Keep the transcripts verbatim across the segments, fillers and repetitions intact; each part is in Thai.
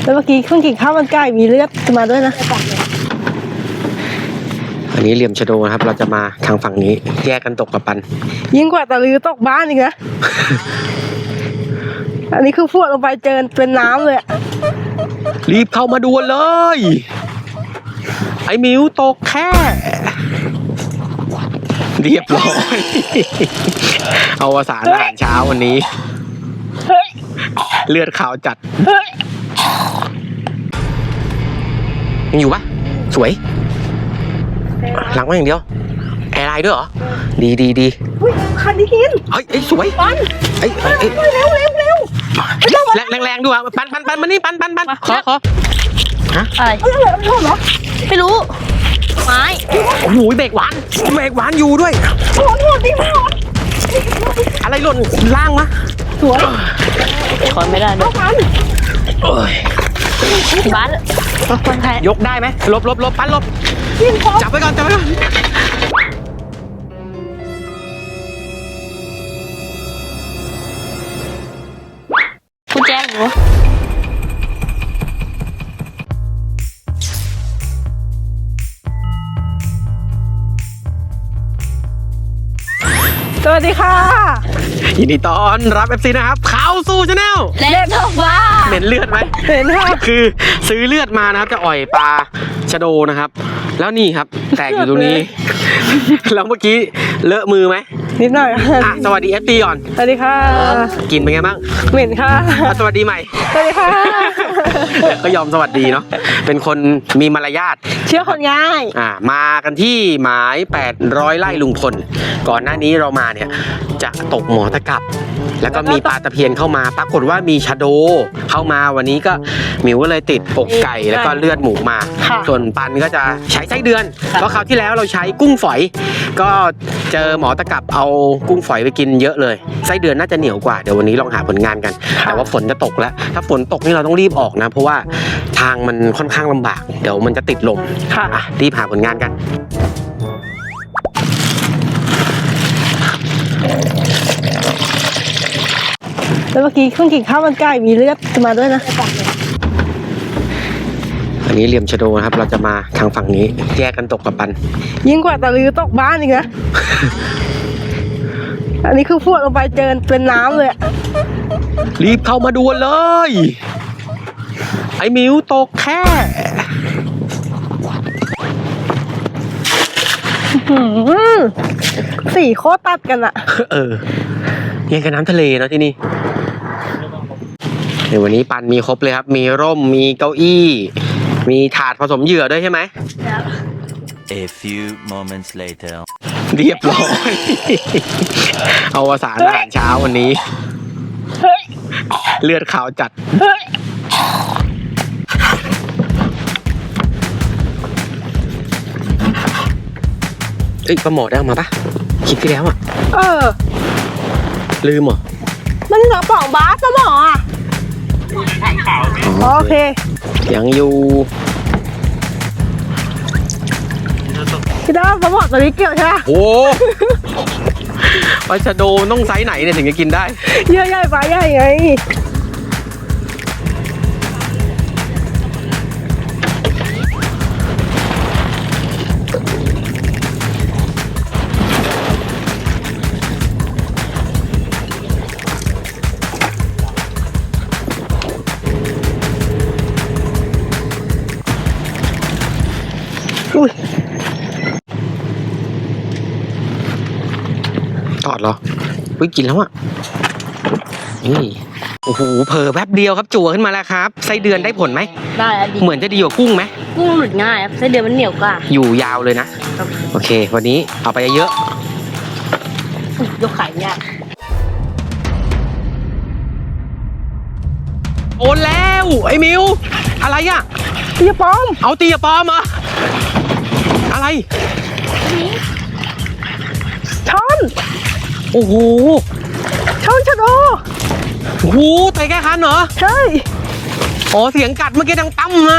แล้วเมื่อกี้เพิ่งกินข้าวมันไก่มีเลือดมาด้วยนะอันนี้เหลี่ยมชะโดนะครับเราจะมาทางฝั่งนี้แยกกันตกกับปันยิ่งกว่าตะลือตกบ้านอีกนะ อันนี้คือพวดลงไปเจอเป็นน้ำเลยรีบเข้ามาด่วนเลยไอ้มิวตกแค่เรียบร้อยเอาวสารอาหารเช้าวันนี้เลือดขาวจัดยังอยู่ปะสวยหลังมาอย่างเดียวแอร์ไลน์ด้วยเหรอดีดีดีคันนี้กินเฮ้ยไอ้สวยปันไอ้ไอ้เร็วเร็วเร็วแรงแรงแรงดูอ่ะปันปันปันมานี่ปันปันปันขอขอฮะอะไรไม่รู้เหรอไม่รู้ไม้โอ้โหเบรกหวานเบรกหวานอยู่ด้วยโหดโหดดิโหดอะไรหล่นล่างมะสวยถอนไม่ได้ด้วยบ้านคนไทยยกได้ไหมลบลบลบปันลบจับไว้ก่อนจับไว้ก่อนกูแจ้งหนูสวัสดีค่ะยินดีต้อนรับ เอฟ ซี นะครับเข้าสู่ชาแนลเล่นทองว่าเหม็นเลือดไหมเห็นค่ะคือซื้อเลือดมานะครับจะอ่อยปลาชะโดนะครับแล้วนี่ครับแตกอยู่ตรงนี้แล้วเมื่อกี้เลอะมือไหมนิดหน่อยอ่ะสวัสดี เอฟ ซี ก่อนสวัสดีค่ะกินเป็นไงบ้างเหม็นค่ะสวัสดีใหม่สวัสดีค่ะก็ยอมสวัสดีเนาะเป็นคนมีมารยาทเชื่อคนง่ายอ่ามากันที่หมายแปดร้อยไร่ลุงพลก่อนหน้านี้เรามาเนี่ยจะตกหมอตะกับแล้วก็มีปลาตะเพียนเข้ามาปรากฏว่ามีชะโดเข้ามาวันนี้ก็หมิวก็เลยติดอกไก่แล้วก็เลือดหมูมาส่วนปันก็จะใช้ไส้เดือนเพราะคราวที่แล้วเราใช้กุ้งฝอยก็เจอหมอตะกับเอากุ้งฝอยไปกินเยอะเลยไส้เดือนน่าจะเหนียวกว่าเดี๋ยววันนี้ลองหาผลงานกันแต่ว่าฝนจะตกแล้วถ้าฝนตกนี่เราต้องรีบออกนะเพราะว่าทางมันค่อนข้างลำบากเดี๋ยวมันจะติดลมอ่ะรีบหาผลงานกันแล้วเมื่อกี้เพิ่งกินข้าวมันไก่มีเลือดมาด้วยนะอันนี้เหลี่ยมชะโดนะครับเราจะมาทางฝั่งนี้แยกกันตกกับปันยิ่งกว่าตะลือตกบ้านอีกนะ อันนี้คือพวดลงไปเจอเป็นน้ำเลยรีบเข้ามาด่วนเลยไอ้มิวตกแค่สี่โคตรตัดกันอะเออยังกับน้ำทะเลเนาะที่นี่เดี๋ยววันนี้ปันมีครบเลยครับมีร่มมีเก้าอี้มีถาดผสมเหยื่อด้วยใช่ไหม A few moments later เรียบร้อยเอาวสารอาหารเช้าวันนี้เลือดขาวจัดเอ้ยปลาหมอได้มาปะคลิปที่แล้วอ่ะเออลืมเหรอมันกระป๋องบาสปลาหมออ่ะโอเคยังอยู่พี่ดาวปลาหมอตัวนี้เกี่ยวใช่ไหมโอ้ปลาชะโดต้องไซส์ไหนเนี่ยถึงจะกินได้เยอะใหญ่ปลาใหญ่ไงอุ้ยตอดเหรออุ้ยกินแล้วอ่ะนี่โอ้โหเผลอแป๊บเดียวครับจั่วขึ้นมาแล้วครับไส้เดือนได้ผลไหมได้ดีเหมือนจะดีกว่ากุ้งไหมกุ้งหลุดง่ายครับไส้เดือนมันเหนียวกว่าอยู่ยาวเลยนะโอเควันนี้เอาไปเยอะยกขายยากโอนแล้วไอ้มิวอะไรอ่ะเตียปอมเอาเตียปอมเหรออะไรช้อนโอ้โหช้อนชะโดโอ้โหไต่แก้คันเหรอใช่อ๋อเสียงกัดเมื่อกี้ดังตั้มนะ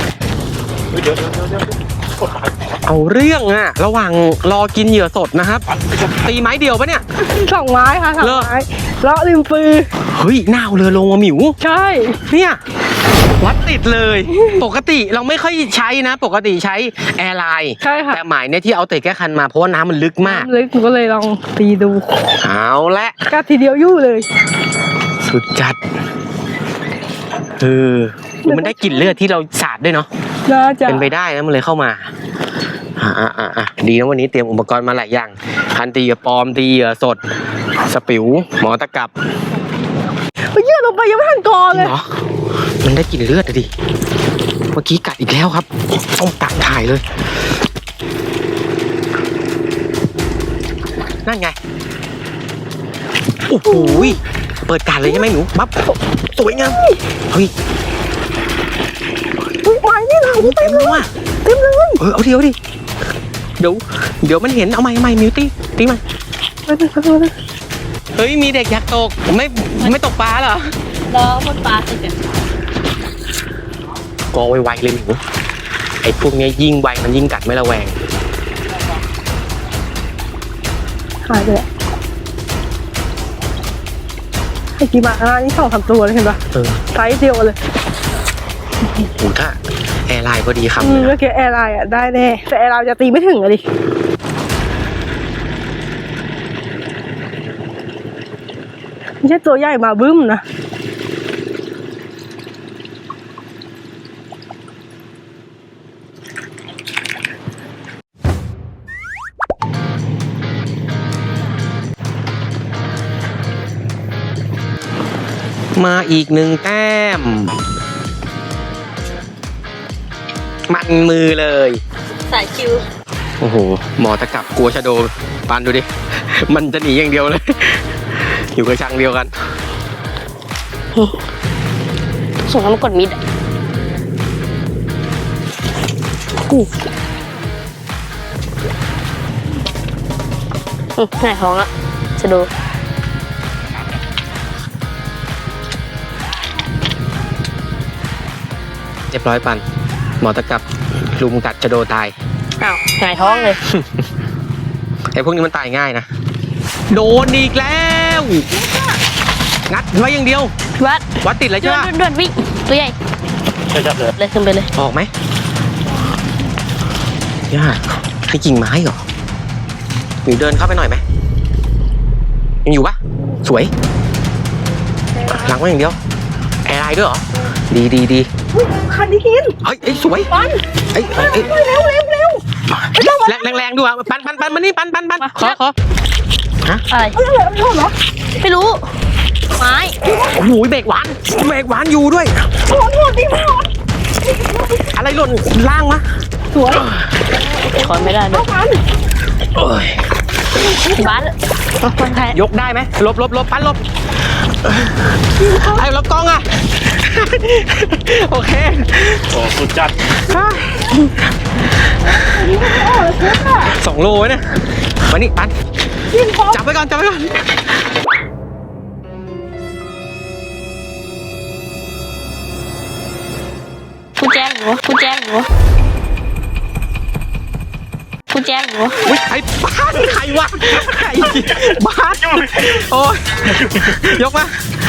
เอาเรื่องอะระหว่างรอกินเหยื่อสดนะครับตีไม้เดียวปะเนี่ยสองไม้ค่ะสองไม้เลาะริมปือเฮ้ยหน้าเรือลงมาหมิวใช่เนี่ยวัดติดเลย ปกติเราไม่ค่อยใช้นะ ปกติใช้แอร์ไลน์ใช่ค่ะแต่หมายเนี่ยที่เอาเตะแก้คันมาเพราะว่าน้ำมันลึกมากเลยหนูก็เลยลองตีดูเอาละก็ทีเดียวยู่เลยสุดจัดเออมันได้กลิ่นเลือดที่เราสาดด้วยเนาะน่าจะเป็นไปได้นะมันเลยเข้ามาอ่าอ่าอ่าอ่าดีนะวันนี้เตรียมอุปกรณ์มาหลายอย่างคันตีเหยื่อปลอมตีเหยื่อสด สปิวหมอตะกับไปยืดลงไปยังไม่ทันกอจเลริยงเหรอมันได้กลิ่นเลือดอะดิเมื่อกี้กัดอีกแล้วครับต้องตักถ่ายเลยนั่นไงโอ้โหเปิดการเลยใช่ไหมหนูบับสวยงามเฮ้ยอุ๊ยไม้นี่หลังเต็มเลยว่ะเต็มเลยเออเอาดิเอาดิเดี๋ยวเดี๋ยวมันเห็นเอาใหม่เอาใหม่มิวตี้ตีมันไปเลยไปเลยเฮ้ยมีเด็กอยากตกไม่ไม่ตกปลาเหรอรอคนปลาสิเดี๋ยวกอไวๆเลยหนูไอ้พวกเนี้ยยิ่งไวมันยิ่งกัดไม่ระแวงหายเลยไอ้กี่มาอ่ะนี่สองสามตัวเลยเห็นปะเออไซส์เดียวเลยโหถ้าแอร์ไลน์พอดีคำอืเลมยเมื่อนะกี้แอร์ไลน์อ่ะได้แน่แต่แอร์ไลน์จะตีไม่ถึงอะดิไม่ใช่ตัวใหญ่มาบึ้มนะมาอีกหนึ่งแต้ม มันมือเลยสายคิวโอ้โห หมอตะกับกลัวชะโดปานดูดิ มันจะหนีอย่างเดียวเลย อยู่กระชังเดียวกันส่งให้มันกดมิดอ่ะไหนท้องอ่ะจะดูเรียบร้อยปัน หมอตะกับลุมกัดชะโดตายอ้าวไหนท้องเลยไอ้พวกนี้มันตายง่ายนะ โดนอีกแล้ว งัดไว้อย่างเดียววัดวัดติดเลยด่ใช่วนปะด่วนวิ่งตัวใหญ่จับเลยเลยขึ้นไปเลยออกไหมยากนี่กิ่งไม้เหรอหนูเดินเข้าไปหน่อยไหมยังอยู่ปะสวย หลังไว้อย่างเดียว แอร์ไลน์ด้วยเหรอ ดีดีดีคันที่กินเอ้ยเอ้ยสวยปันเอ้ยเอ้ยเอ้ยเร็วเร็วเร็วแรงแรงแรงดูอ่ะปันปันปันมานี่ปันปันปันขอขอฮะอะไรเออเร็วเหรอไม่รู้ ไม้โอ้โหเบรกหวานเบรกหวานอยู่ด้วยโหนโหนดีมากอะไรหล่นล่างวะสวยถอนไม่ได้ด้วยเอ้ยบ้านคนไทยยกได้ไหมลบลบลบปันลบไอ้ลบกล้องอ่ะ โอเคโอ้สุดจัดสองโลเนี่ยมานี่ปันจับไว้ก่อนจับไว้ก่อนกูแจ้งหนูกูแจ้งหนูกูแจ้งหนูอุ้ยไอ้บ้านใครวะไอ้บ้านโอ้ยยกมา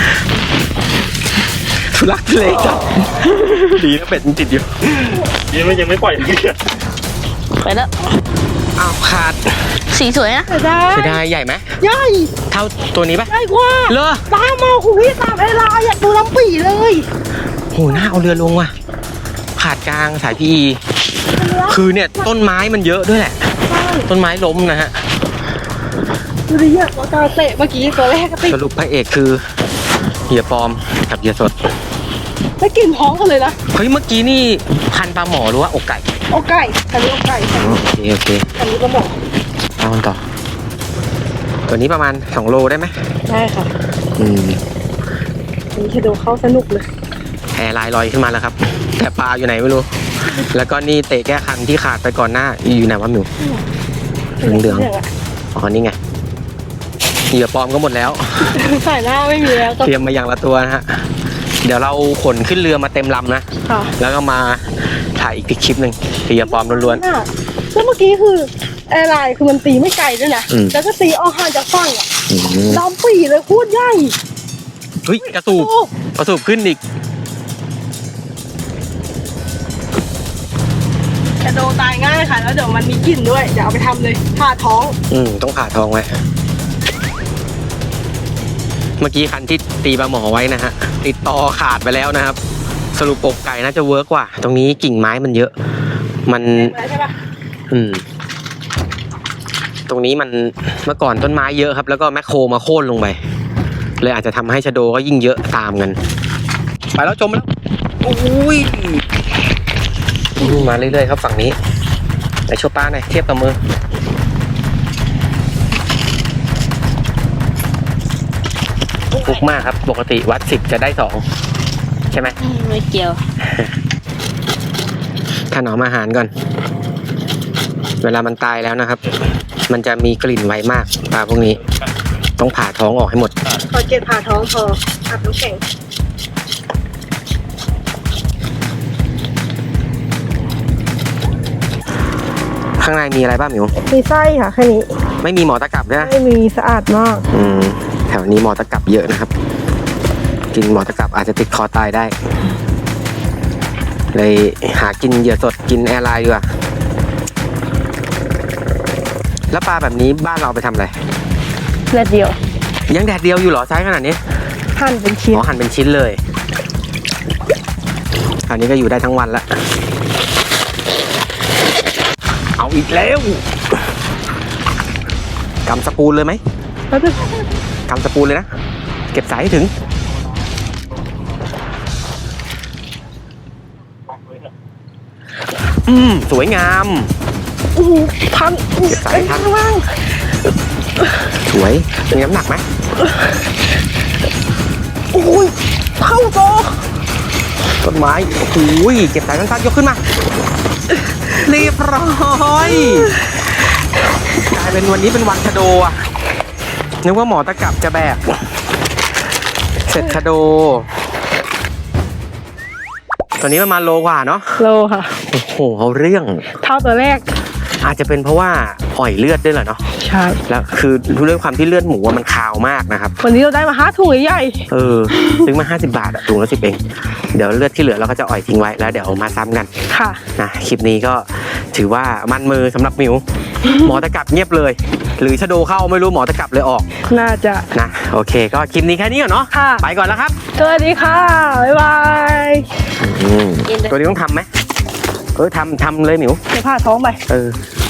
ทุลักทุเลจับดีนะเป็ดมันติดอยู่ยังไม่ยังไม่ปล่อยเลยไปแล้วอ้าวขาดสีสวยนะได้เสียดายใหญ่ไหมใหญ่เท่าตัวนี้ปะใหญ่กว่าเลอตามมาคุณพี่ตามเวลาอยากดูลำปีเลยโหหน้าเอาเรือลงว่ะขาดกลางสายพีคือเนี่ยต้นไม้มันเยอะด้วยแหละ ต้นไม้ล้มนะฮะดูดิเนี่ยตัวตาเตะเมื่อกี้ตัวแรกก็ติดสรุปพระเอกคือเหยื่อปลอมกับเหยื่อสดไม่กินท้องกันเลยนะเฮ้ยเมื่อกี้นี่พันปลาหมอหรือว่าอกไก่อกไก่อันนี้อกไก่อ๋อโอเคโอเคอันนี้ก็หมอเอากันต่อ ตัวนี้ประมาณสองโลได้ไหมได้ค่ะอืมอันนี้จะดูเข้าสนุกเลยแอร์ไลน์ลอยขึ้นมาแล้วครับ แต่ปลาอยู่ไหนไม่รู้ แล้วก็นี่เตะแก้คันที่ขาดไปก่อนหน้าอยู่ไหนวะหนูเหลืองๆอ๋อนี่ไงเหยื่อปลอมก็หมดแล้วใส่หน้าไม่มีแล้วก็เตรียมมาอย่างละตัวนะฮะ เดี๋ยวเราขนขึ้นเรือมาเต็มลำนะค่ะแล้วก็มาถ่ายอีกคลิปหนึ่งเหยื่อปลอมล้วนน่ะแล้วเมื่อกี้คือแอร์ไลน์คือมันตีไม่ไกลด้วยนะอืมแล้วก็ตีออกห่างจากฝั่งอ่ะๆอืมลำปีเลยโคตรใหญ่เฮ้ยกระสูบโอ้กระสูบขึ้นอีกชะโดตายง่ายค่ะ แล้วเดี๋ยวมันมีกลิ่นด้วยเดี๋ยวเอาไปทำเลยผ่าท้องอืมต้องผ่าท้องไว้ เมื่อกี้คันที่ตีปลาหมอไว้นะฮะติดต่อขาดไปแล้วนะครับ สรุปอกไก่น่าจะเวิร์กกว่า ตรงนี้กิ่งไม้มันเยอะ มันใช่ปะอืม ตรงนี้มันเมื่อก่อนต้นไม้เยอะครับ แล้วก็แมคโครมาโค่นลงไป เลยอาจจะทำให้ชะโดก็ยิ่งเยอะตามกัน ไปแล้วจมแล้วโอ้ยมาเรื่อยๆครับฝั่งนี้ไหนโชว์ป้าหน่อยเทียบกับมือฟุกมากครับ ปกติวัดสิบจะได้สองใช่ไหมไม่เกี่ยวถนอมอาหารก่อน เวลามันตายแล้วนะครับ มันจะมีกลิ่นไวมากปลาพวกนี้ ต้องผ่าท้องออกให้หมดพอเก็บผ่าท้องพออาบน้ำแข็งข้างในมีอะไรบ้างหมิวมีไส้ค่ะแค่นี้ไม่มีหมอตะกรับด้วยนะไม่มีสะอาดมากอืมแถวนี้หมอตะกรับเยอะนะครับ กินหมอตะกรับอาจจะติดคอตายได้ เลยหากินเหยื่อสดกินแอร์ไลน์ดีกว่าแล้วปลาแบบนี้บ้านเราเอาไปทำอะไรแค่เดียวยังแดดเดียวอยู่เหรอไซส์ขนาดนี้หั่นเป็นชิ้นอ๋อหั่นเป็นชิ้นเลยคราวนี้ก็อยู่ได้ทั้งวันละเอาอีกแล้วกำสปูนเลยไหมแล้วจะกำสปูนเลยนะเก็บสายให้ถึงอืมสวยงามอู้หูพันเก็บสายทันข้างล่างสวยมีน้ำหนักไหมโอ้ยเท่าโตต้นไม้โอ้โหเก็บสายสั้นๆยกขึ้นมาเรียบร้อยกลายเป็นวันนี้เป็นวันชะโดอ่ะนึกว่าหมอตะกรับจะแบกเสร็จชะโดตอนนี้ประมาณโลกว่าเนาะโลค่ะโอ้โหเอาเรื่องเท่าตัวแรกอาจจะเป็นเพราะว่าอ่อยเลือดด้วยเหรอเนาะใช่แล้วคือด้วยความที่เลือดหมูอะมันคาวมากนะครับวันนี้เราได้มาห้าถุงใหญ่เออซื้อมาห้าสิบบาทอะถุงละสิบเองเดี๋ยวเลือดที่เหลือเราก็จะอ่อยทิ้งไว้แล้วเดี๋ยวมาซ้ำกันๆค่ะนะคลิปนี้ก็ถือว่ามันมือสำหรับมิว หมอตะกรับเงียบเลย หรือชะโดเข้าไม่รู้หมอตะกรับเลยออกน่าจะนะโอเค ก็คลิปนี้แค่นี้ก่อนเนาะค่ะไปก่อนแล้วครับสวัสดีค่ะ บ๊ายบายอืมตัวนี้ต้องทำไหมเออทำทำเลยหมิวเดี๋ยวผ่าท้องไปเออ